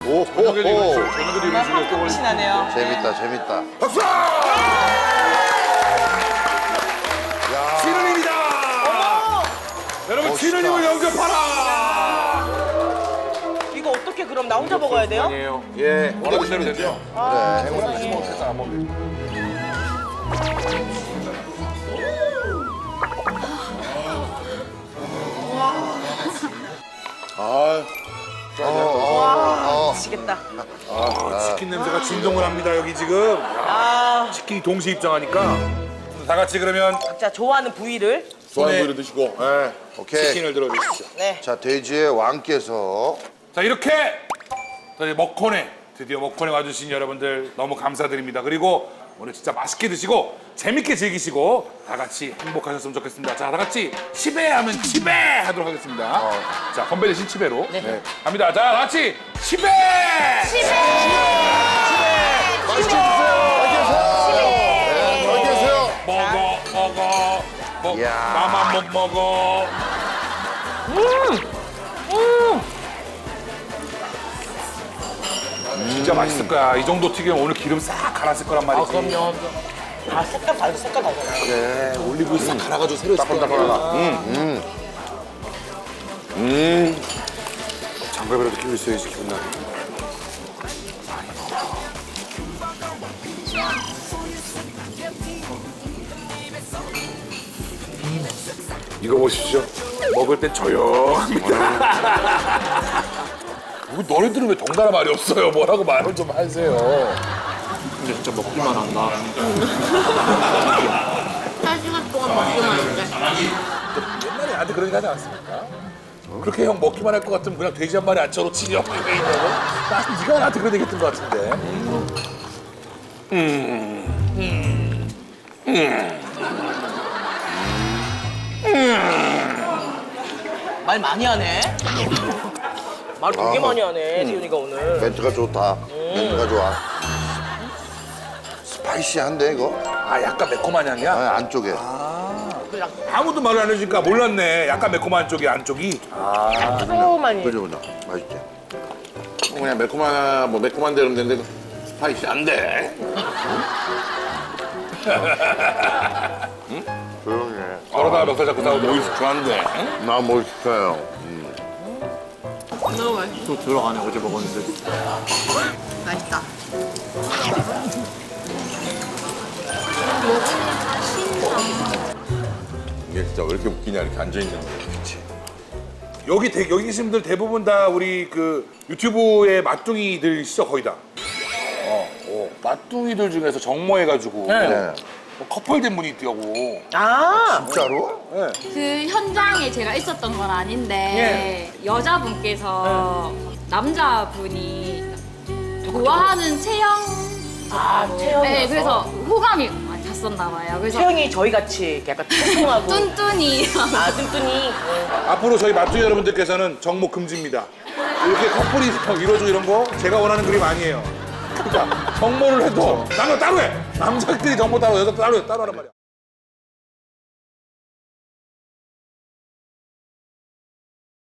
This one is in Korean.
저녁에 이거 저녁에 이런 식으로 또 맛이 나네요. 재밌다, 재밌다. 박수! 진우님이다! 여러분 진우님을 영접하라! 이거 어떻게 그럼 나 혼자 먹어야 돼요? 아니에요. 예, 원하는 대로 되죠. 그래. 미치겠다. 치킨 냄새가 진동을 합니다 여기 지금. 치킨이 동시 입장하니까 다 같이 그러면 자, 좋아하는 부위를. 좋아하는 부위를 드시고 오케이. 치킨을 들어주십시오. 네. 자, 돼지의 왕께서 자 이렇게 저희 먹코네 드디어 먹코네 와주신 여러분들 너무 감사드립니다. 그리고 오늘 진짜 맛있게 드시고 재밌게 즐기시고 다 같이 행복하셨으면 좋겠습니다. 자, 다 같이 치배하면 치배하도록 하겠습니다. 자, 건배 대신 치배로. 네. 갑니다. 자, 다 같이 치배! 맛있게 드세요. 네, 잘 계세요. 먹어. 이야. 나만 못 먹어. 진짜 맛있을 거야. 이 정도 튀기면 오늘 기름 싹 갈았을 거란 말이지. 그럼요. 아, 색깔 다르죠, 색깔 다르잖아요. 그래, 올리브유 싹 갈아가지고 새로 따끈따끈하다. 장갑이라도 끼고 있어야지 기분 나게. 이거 보십시오. 먹을 땐 조용합니다. 너희들은 왜 덩달아 말이 없어요? 뭐라고 말을 좀 하세요. 근데 진짜 먹기만 한다. 4시간 동안 먹기만 했는데. 옛날에 나한테 그런 얘기 하지 않았습니까? 그렇게 형 먹기만 할 것 같으면 그냥 돼지 한 마리 안 쳐놓지 형 왜 있냐고? 네가 나한테 그런 얘기 했던 것 같은데. 말 많이 하네. 말 되게 많이 하네, 지훈이가 오늘. 멘트가 좋다. 멘트가 좋아. 스파이시한데, 이거? 아 약간 매콤한 향이야? 아니, 안쪽에. 아무도 말을 안 해주니까 몰랐네. 약간 매콤한 쪽이 안쪽이. 조금만이. 그죠, 그죠. 맛있지? 그냥 매콤한 대로 되는데 스파이시 안 돼. 조용히 해. 그러다가 멱살 잡고 싸우고. 오이스 좋아한대. 나 뭘 시켜요? 너무 맛있어. 또 들어가네, 어제 먹었는데. 맛있다. 이게 진짜 왜 이렇게 웃기냐 이렇게 앉아있는 거. 여기 계신 분들 대부분 다 우리 그 유튜브의 맛둥이들이시죠 거의 다. 맛둥이들 중에서 정모해가지고 네. 뭐 커플된 분이 있더라고. 아, 진짜로? 그 현장에 제가 있었던 건 아닌데 여자분께서 남자분이 좋아하는 체형 채영이. 네, 그래서 호감이 많이 갔었나 봐요. 그래서 채영이 저희 같이 약간 통통하고. 뚠뚠이 아, 뚠뚠이. 앞으로 저희 맛둥이 여러분들께서는 정모 금지입니다. 이렇게 커플이 이루어지고 이런 거 제가 원하는 그림 아니에요. 그러니까 정모를 해도 남자 따로 해. 남자끼리 정모 따로 여자 따로 하란 말이야.